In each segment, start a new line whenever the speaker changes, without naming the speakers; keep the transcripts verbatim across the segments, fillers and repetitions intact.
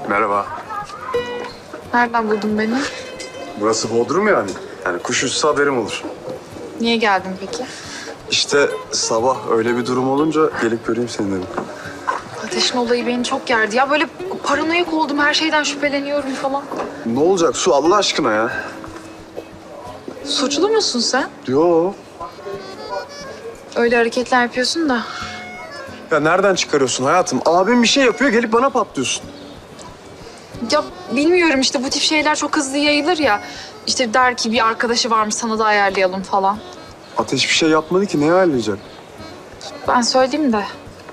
Merhaba.
Nereden buldun beni?
Burası Bodrum yani. Yani kuş uçsa haberim olur.
Niye geldin peki?
İşte sabah öyle bir durum olunca gelip göreyim seni dedim.
Ateşin olayı beni çok gerdi. Ya böyle paranoyak oldum, her şeyden şüpheleniyorum falan.
Ne olacak Su Allah aşkına ya?
Suçlu musun sen?
Yo.
Öyle hareketler yapıyorsun da.
Ya nereden çıkarıyorsun hayatım? Abim bir şey yapıyor gelip bana patlıyorsun.
Ya bilmiyorum işte bu tip şeyler çok hızlı yayılır ya. İşte der ki bir arkadaşı varmış sana da ayarlayalım falan.
Ateş bir şey yapmadı ki neye ayarlayacak?
Ben söyleyeyim de.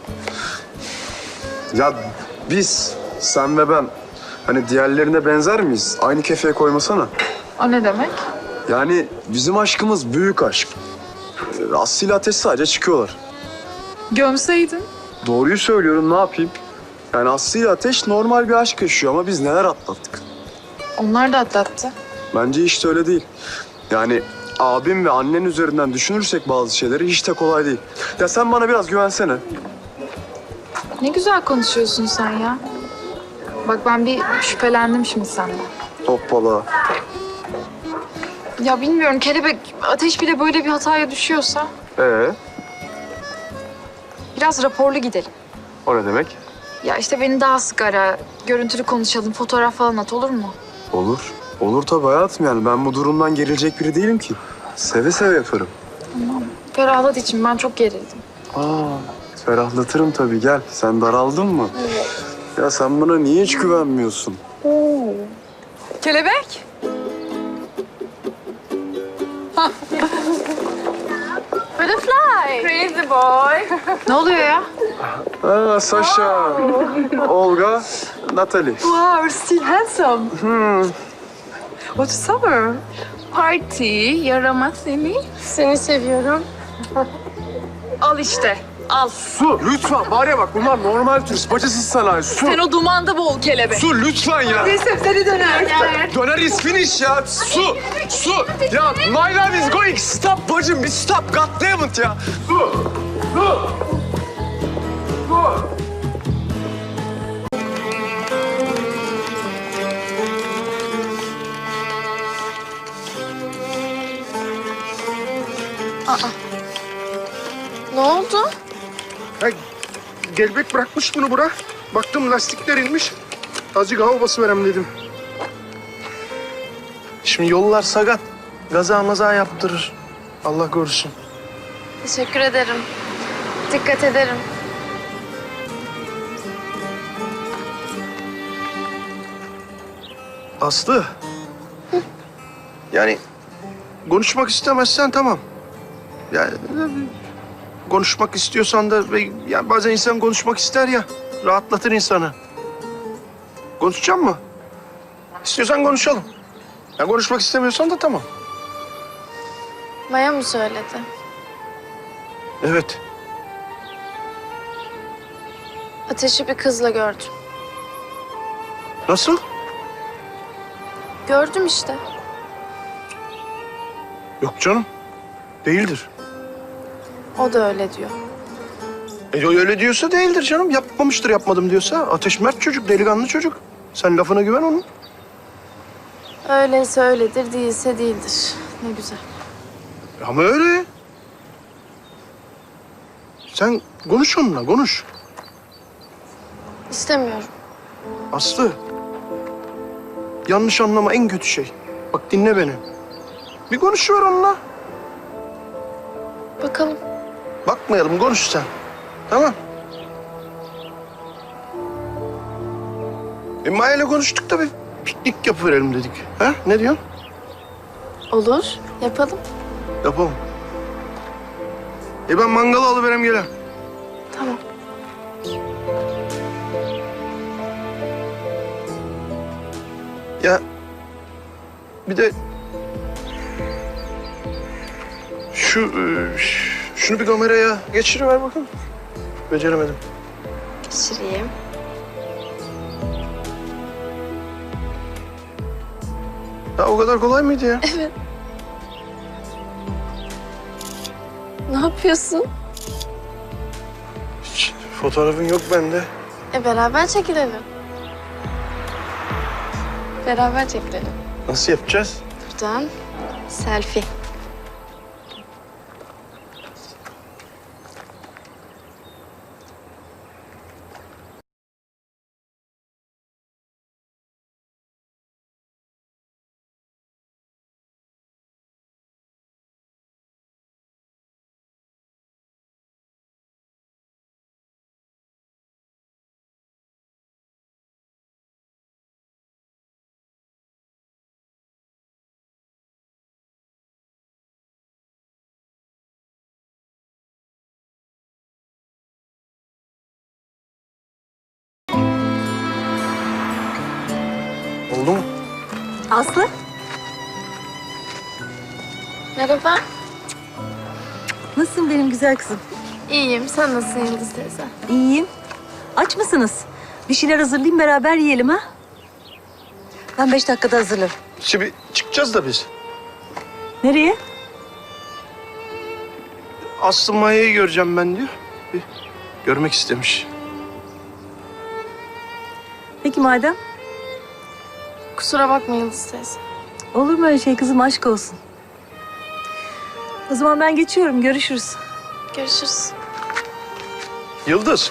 Ya biz, sen ve ben hani diğerlerine benzer miyiz? Aynı kefeye koymasana.
O ne demek?
Yani bizim aşkımız büyük aşk. Aslı ile Ateş sadece çıkıyorlar.
Gömseydin.
Doğruyu söylüyorum, ne yapayım? Yani Aslı ile Ateş normal bir aşk yaşıyor ama biz neler atlattık.
Onlar da atlattı.
Bence hiç de öyle değil. Yani abim ve annen üzerinden düşünürsek bazı şeyleri hiç de kolay değil. Ya sen bana biraz güvensene.
Ne güzel konuşuyorsun sen ya. Bak ben bir şüphelendim şimdi senden.
Hoppala.
Ya bilmiyorum kelebek Ateş bile böyle bir hataya düşüyorsa
Ee,
biraz raporlu gidelim.
o ne demek?
Ya işte beni daha sık ara, görüntülü konuşalım, fotoğraf falan at olur mu?
Olur. Olur tabii hayatım yani. Ben bu durumdan gerilecek biri değilim ki. Seve seve yaparım.
Tamam. Ferahlat için ben çok gerildim.
Aa, ferahlatırım tabii, gel. Sen daraldın mı?
Evet.
Ya sen bana niye hiç güvenmiyorsun?
Kelebek?
Butterfly. Crazy boy.
Ne oluyor ya?
Aa, Sasha, Olga, Natalie.
Wow, still handsome. Hmm. What's summer? Party, yarama seni. Seni seviyorum.
Al işte, al.
Su, lütfen. Var ya bak, bunlar normal turist. Bacasız sanayi. Su.
Sen o dumanda boğul kelebek.
Su lütfen ya.
Neyse seni döner.
Döner is finish ya. Su, su. Ya my love is going. Stop bacım, bir stop. God damn it ya. Su, su. Su.
Ne oldu?
Ya, Gelbek bırakmış bunu bura. Baktım lastikler inmiş. Azıcık hava basıverem dedim. Şimdi yollar sakat. Gaza maza yaptırır. Allah korusun.
Teşekkür ederim. Dikkat ederim.
Aslı. Yani konuşmak istemezsen tamam. Yani konuşmak istiyorsan da ve yani bazen insan konuşmak ister ya. Rahatlatır insanı. Konuşacak mı? İstiyorsan konuşalım. Ya konuşmak istemiyorsan da tamam.
Maya mı söyledi?
Evet.
Ateşi bir kızla gördüm.
Nasıl?
Gördüm işte.
Yok canım. Değildir.
O da öyle diyor.
E, o öyle diyorsa değildir canım. Yapmamıştır yapmadım diyorsa. Ateş mert çocuk, delikanlı çocuk. Sen lafına güven onun.
Öyleyse öyledir, değilse değildir. Ne güzel.
Ama öyle. Sen konuş onunla, konuş.
İstemiyorum.
Aslı. Yanlış anlama en kötü şey. Bak dinle beni. Bir konuşuver onunla.
Bakalım.
Bakmayalım, konuş sen. Tamam. E Maya ile konuştuk da bir piknik yapıverelim dedik. Ha? Ne diyorsun?
Olur, yapalım.
Yapalım. E ben mangalı alıverem gelem.
Tamam.
Ya bir de şu e, ş- şunu bir kameraya geçiriver bakın. Beceremedim.
Geçireyim.
Ya o kadar kolay mıydı ya?
Evet. Ne yapıyorsun?
Hiç fotoğrafın yok bende.
E beraber çekilelim. Beraber çekilelim.
Nasıl yapacağız?
Buradan selfie.
Oldu mu?
Aslı,
Merhaba.
nasılsın benim güzel kızım?
İyiyim. Sen nasılsın Yıldız teyze?
İyiyim. Aç mısınız? Bir şeyler hazırlayayım, beraber yiyelim ha? Ben beş dakikada hazırlarım.
Şimdi çıkacağız da biz.
Nereye?
Aslı Maya'yı göreceğim ben diyor. Bir görmek istemiş.
Peki madem.
Kusura bakma Yıldız teyze.
Olur mu öyle şey kızım, aşk olsun. O zaman ben geçiyorum, görüşürüz.
Görüşürüz.
Yıldız.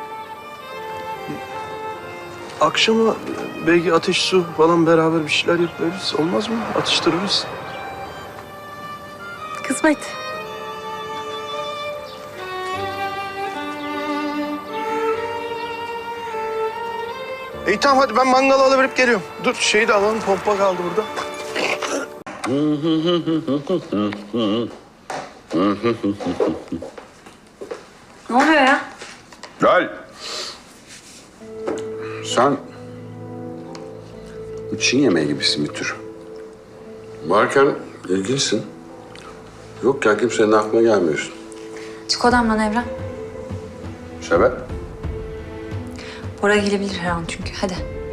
Akşama belki ateş su falan beraber bir şeyler yaparız. Olmaz mı? Atıştırırız.
Kısmet.
İyi tamam hadi ben mangalı alıverip geliyorum. Dur şeyi de alalım, pompa kaldı burada.
Ne oluyor ya?
Gel. Sen Çin yemeği gibisin bir tür. Varken ilgilisin. Yokken kimsenin aklına gelmiyorsun.
Çık odamdan Evren.
Sebep?
Bora gelebilir her an çünkü. Hadi.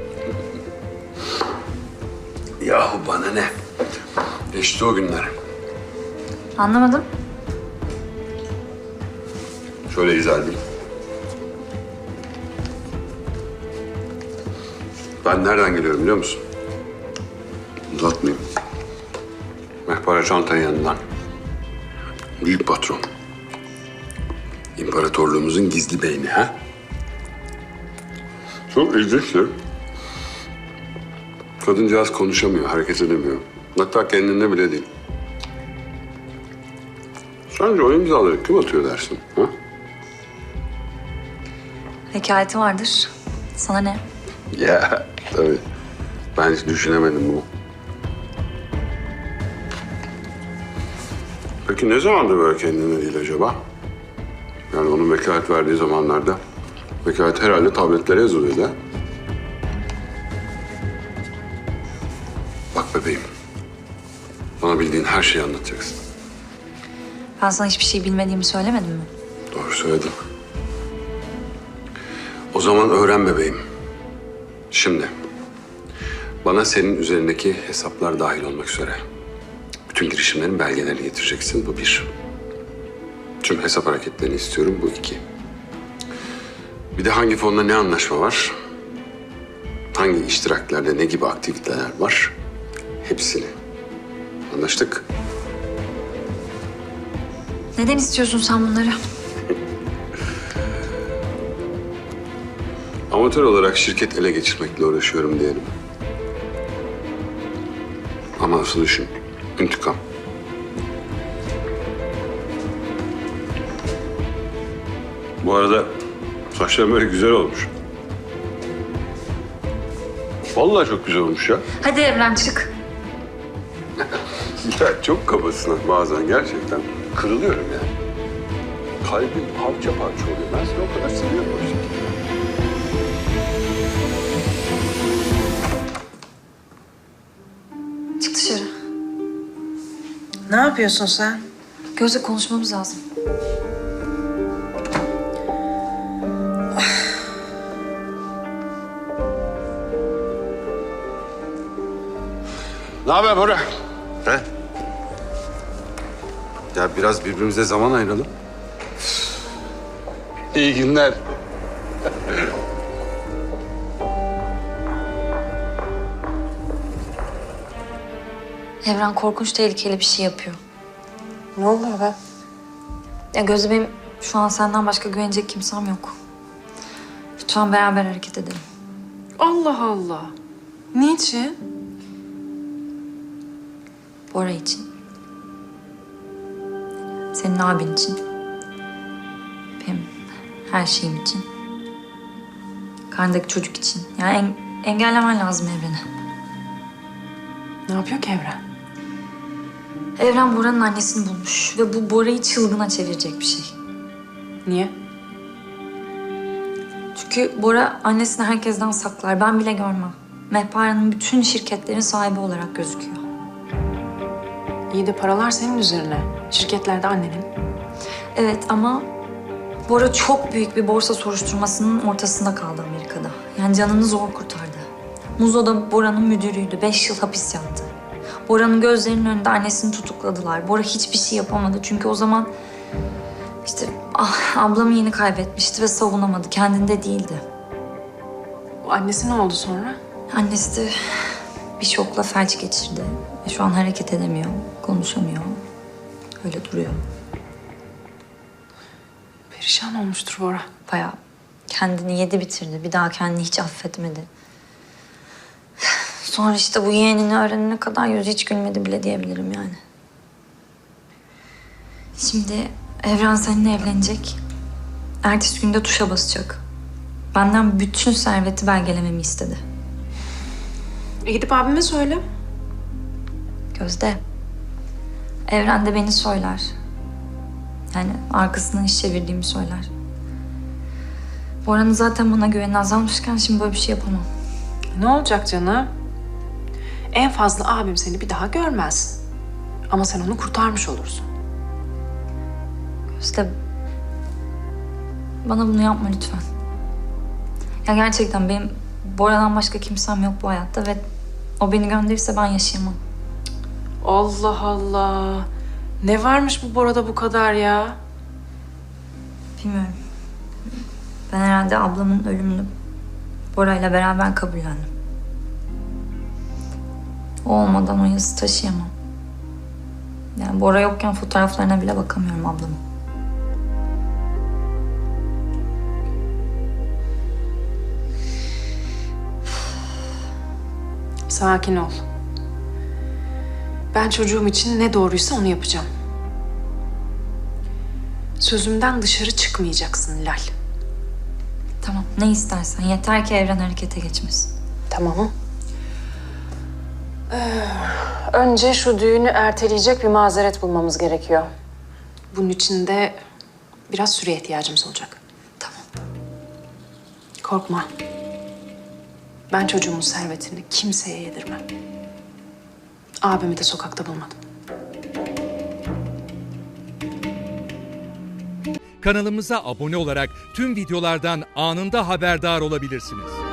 Yahu bana ne? Geçti o günler.
Anlamadım.
Şöyle izah edeyim. Ben nereden geliyorum biliyor musun? Uzatmayayım. Mehpare Çantay'ın yanından. Büyük patron. İmparatorluğumuzun gizli beyni ha? Çok ilginçtir. Kadıncağız konuşamıyor, hareket edemiyor. Hatta kendinde bile değil. Sence o imzaları kim atıyor dersin? Ha?
Vekaleti vardır. Sana ne?
Ya tabii. Ben hiç düşünemedim bunu. Peki ne zamandır böyle kendine değil acaba? Yani onun vekalet verdiği zamanlarda vekalet herhalde tabletlere yazılıyordu ha? Bak bebeğim. Bana bildiğin her şeyi anlatacaksın.
Ben sana hiçbir şey bilmediğimi söylemedim mi?
Doğru söyledin. O zaman öğren bebeğim. Şimdi bana senin üzerindeki hesaplar dahil olmak üzere bütün girişimlerin belgelerini getireceksin. Bu bir. Tüm hesap hareketlerini istiyorum. Bu iki. Bir de hangi fonda ne anlaşma var? Hangi iştiraklerde ne gibi aktiviteler var? Hepsini. Anlaştık.
Neden istiyorsun sen bunları?
Amatör olarak şirket ele geçirmekle uğraşıyorum diyelim. Ama asıl düşün. İntikam. Bu arada saçların böyle güzel olmuş. Vallahi çok güzel olmuş ya.
Hadi Evren çık.
Ya çok kabasın ha bazen gerçekten. Kırılıyorum yani. Kalbim parça parça oluyor. Ben seni o kadar seviyorum o yüzden.
Çık dışarı.
Ne yapıyorsun sen?
Gözle konuşmamız lazım.
Ne haber Bora? He? Ya biraz birbirimize zaman ayıralım. İyi günler.
Evren korkunç tehlikeli bir şey yapıyor.
Ne oluyor be?
Ya Gözde, benim şu an senden başka güvenecek kimsem yok. Lütfen beraber hareket edelim.
Allah Allah. Niçin?
Bora için. Senin abin için. Benim her şeyim için. Karnındaki çocuk için. Yani en, engellemen lazım Evren'i.
Ne yapıyor ki Evren?
Evren Bora'nın annesini bulmuş ve bu Bora'yı çılgına çevirecek bir şey.
Niye?
Çünkü Bora annesini herkesten saklar. Ben bile görmem. Mehpare'nin bütün şirketlerin sahibi olarak gözüküyor.
İyi de paralar senin üzerine. Şirketler de annenin.
Evet ama Bora çok büyük bir borsa soruşturmasının ortasında kaldı Amerika'da. Yani canını zor kurtardı. Muzo da Bora'nın müdürüydü. Beş yıl hapis yattı. Bora'nın gözlerinin önünde annesini tutukladılar. Bora hiçbir şey yapamadı. Çünkü o zaman işte ah, ablamı yeni kaybetmişti ve savunamadı. Kendinde değildi.
O annesi ne oldu sonra?
Annesi de bir şokla felç geçirdi. Ve şu an hareket edemiyor, konuşamıyor. Öyle duruyor.
Perişan olmuştur Bora.
Bayağı kendini yedi bitirdi. Bir daha kendini hiç affetmedi. Sonra işte bu yeğenini öğrenene kadar yüzü hiç gülmedi bile diyebilirim yani. Şimdi Evren seninle evlenecek. Ertesi günde tuşa basacak. Benden bütün serveti belgelememi istedi.
E gidip abime söyle.
Gözde. Evren de beni söyler. Yani arkasından iş çevirdiğimi söyler. Bora'nın zaten bana güveni azalmışken şimdi böyle bir şey yapamam.
Ne olacak canım? En fazla abim seni bir daha görmez. Ama sen onu kurtarmış olursun.
Gözde. Bana bunu yapma lütfen. Ya gerçekten benim Bora'dan başka kimsem yok bu hayatta ve o beni gönderirse ben yaşayamam.
Allah Allah. Ne varmış bu Bora'da bu kadar ya?
Bilmiyorum. Ben herhalde ablamın ölümünü Bora'yla beraber kabullendim. O olmadan o yazı taşıyamam. Yani Bora yokken fotoğraflarına bile bakamıyorum ablamın.
Sakin ol. Ben çocuğum için ne doğruysa onu yapacağım. Sözümden dışarı çıkmayacaksın Lal.
Tamam, ne istersen. Yeter ki Evren harekete geçmesin.
Tamam. Ee, önce şu düğünü erteleyecek bir mazeret bulmamız gerekiyor. Bunun için de biraz süreye ihtiyacımız olacak.
Tamam.
Korkma. Ben çocuğumun servetini kimseye yedirmem. Abimi de sokakta bulmadım.
Kanalımıza abone olarak tüm videolardan anında haberdar olabilirsiniz.